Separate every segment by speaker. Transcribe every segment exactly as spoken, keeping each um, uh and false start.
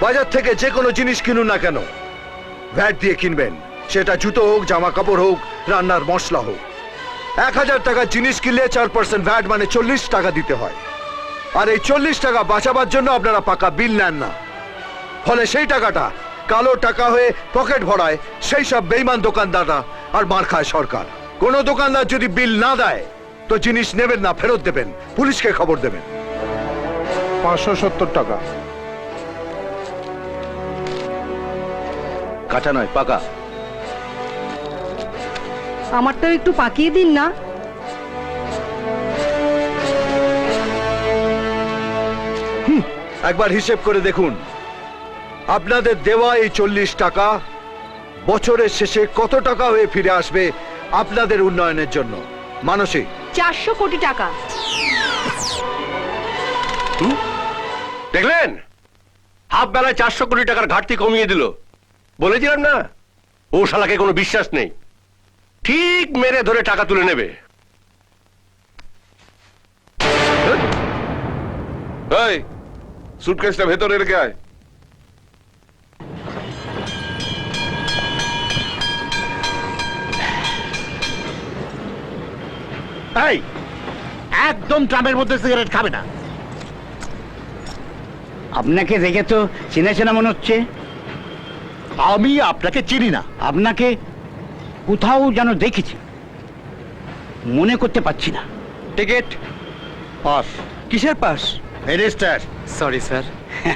Speaker 1: বাজার থেকে যে কোনো জিনিস কিনুন না কেন ভ্যাট দিয়ে কিনবেন। সেটা জুতো হোক, জামা কাপড় হোক, রান্নার মশলা হোক। এক হাজার টাকার জিনিস কিনলে চার পার্সেন্ট ভ্যাট মানে চল্লিশ টাকা দিতে হয়। আর এই চল্লিশ টাকা বাঁচাবার জন্য আপনারা পাকা বিল নেন না। ফলে সেই টাকাটা কালো টাকা হয়ে পকেট ভরায় সেই সব বেইমান দোকানদাররা, আর মার খায় সরকার। কোনো দোকানদার যদি বিল না দেয় তো জিনিস নেবেন না, ফেরত দেবেন, পুলিশকে খবর দেবেন।
Speaker 2: পাঁচশো সত্তর টাকা।
Speaker 3: কাঁচা নয়, পাকা।
Speaker 4: আমারটাও একটু পাকিয়ে দিন না।
Speaker 1: একবার হিসেব করে দেখুন, আপনাদের দেওয়া এই চল্লিশ টাকা বছরের শেষে কত টাকা হয়ে ফিরে আসবে আপনাদের উন্নয়নের জন্য। মানসিক
Speaker 4: চারশো কোটি টাকা।
Speaker 3: দেখলেন, হাফ বেলায় চারশো কোটি টাকার ঘাটতি কমিয়ে দিল। বলেছিলাম না, ও শালাকে কোনো বিশ্বাস নেই, ঠিক মেরে ধরে টাকা তুলে নেবে।
Speaker 5: এই সুটকেসটা ভেতরে রেখে আয়।
Speaker 2: এই একদম ট্রামের মধ্যে সিগারেট খাবে না।
Speaker 6: আপনাকে দেখে তো চেনা চেনা মনে হচ্ছে।
Speaker 2: আমি আপনাকে চিনি না।
Speaker 6: আপনাকে কোথাও যেন দেখেছি, মনে করতে পারছি না।
Speaker 3: Ticket
Speaker 2: pass.
Speaker 3: কিসের পাস?
Speaker 2: মিনিস্টার।
Speaker 3: Sorry sir.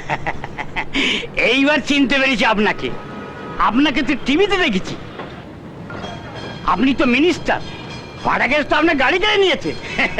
Speaker 6: এইবার চিনতে পেরেছি আপনাকে। আপনাকে তো টিভিতে দেখেছি। আপনি তো মিনিস্টার। ভাড়া গ্যাস তো আপনার গাড়ি কেড়ে নিয়েছে।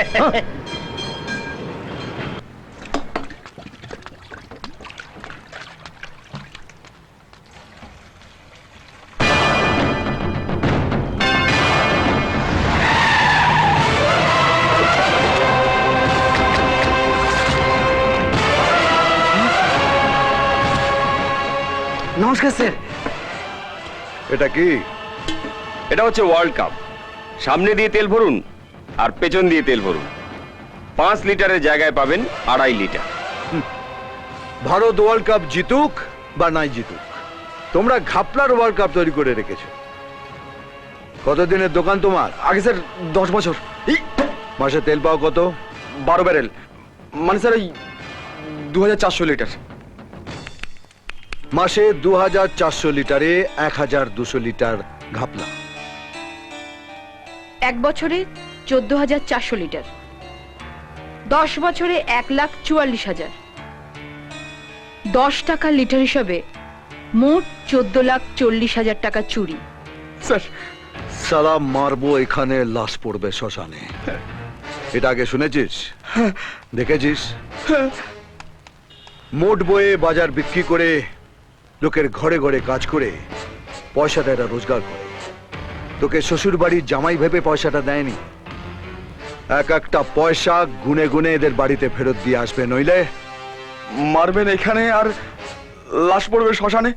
Speaker 3: নমস্কার স্যার।
Speaker 1: এটা কি?
Speaker 3: এটা হচ্ছে ওয়ার্ল্ড কাপ। সামনে দিয়ে তেল ভরুন আর পেছন দিয়ে তেল ভরুন। পাঁচ লিটারের জায়গায় পাবেন আড়াই লিটার।
Speaker 1: ভারত ওয়ার্ল্ড কাপ জিতুক বা নাই জিতুক, তোমরা ঘাপলার ওয়ার্ল্ড কাপ তৈরি করে রেখেছো। কতদিনের দোকান তোমার?
Speaker 3: আগে স্যার দশ বছর।
Speaker 1: মাসে তেল পাও কত?
Speaker 3: বারো ব্যারেল, মানে স্যার ওই দু হাজার চারশো লিটার।
Speaker 1: মাসে দু হাজার চারশো লিটারে এক হাজার দুশো লিটার ঘাপলা।
Speaker 4: এক বছরে চোদ্দ হাজার চারশো লিটার। দশ বছরে এক লাখ চুয়াল্লিশ হাজার। দশ টাকা লিটার হিসাবে মোট চোদ্দ লাখ চল্লিশ হাজার টাকা চুরি।
Speaker 3: স্যার
Speaker 1: সালা মারবো, এখানে লাশ পড়বে শ্মশানে। এটা আগে শুনেছিস? দেখেছিস? মোট বয়ে বাজার বিক্রি করে লোকের ঘরে ঘরে কাজ করে পয়সাটা এরা রোজগার করে। তোকে শ্বশুর বাড়ির জামাই ভেবে পয়সাটা দেয়নি। এক একটা পয়সা গুনে গুনে এদের বাড়িতে ফেরত দিয়ে আসবে, নইলে
Speaker 3: মারবেন এখানে আর লাশ পড়বে শ্মশানে।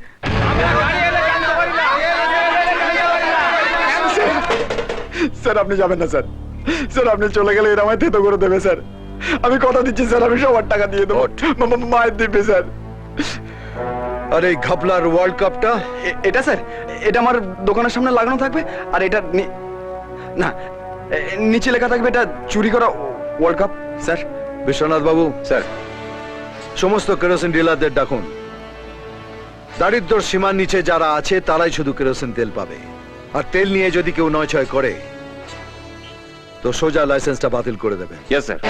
Speaker 3: স্যার আপনি যাবেন না স্যার। স্যার আপনি চলে গেলে এরা আমায় থেতো করে দেবে স্যার। আমি কথা দিচ্ছি স্যার, আমি সবার টাকা দিয়ে দেবো। মায়ের দিবে স্যার।
Speaker 1: আর এই ঘাপলার ওয়ার্ল্ড কাপটা?
Speaker 3: এটা স্যার, এটা আমার দোকানের সামনে লাগানো থাকবে। আর এটা না, নিচে লেখা থাকবে এটা চুরি করা ওয়ার্ল্ড কাপ। স্যার।
Speaker 1: বিশ্বনাথ বাবু,
Speaker 3: স্যার।
Speaker 1: সমস্ত কেরোসিন ডিলারদের ডাকুন। দারিদ্র সীমার নিচে যারা আছে তারাই শুধু কেরোসিন তেল পাবে। আর তেল নিয়ে যদি কেউ নয় ছয় করে তো সোজা লাইসেন্সটা বাতিল করে দেবে।
Speaker 3: Yes sir.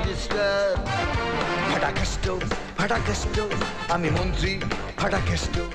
Speaker 7: ফাটা কেষ্ট, ফাটা কেষ্ট, আমি মন্ত্রী, ফাটা কেষ্ট।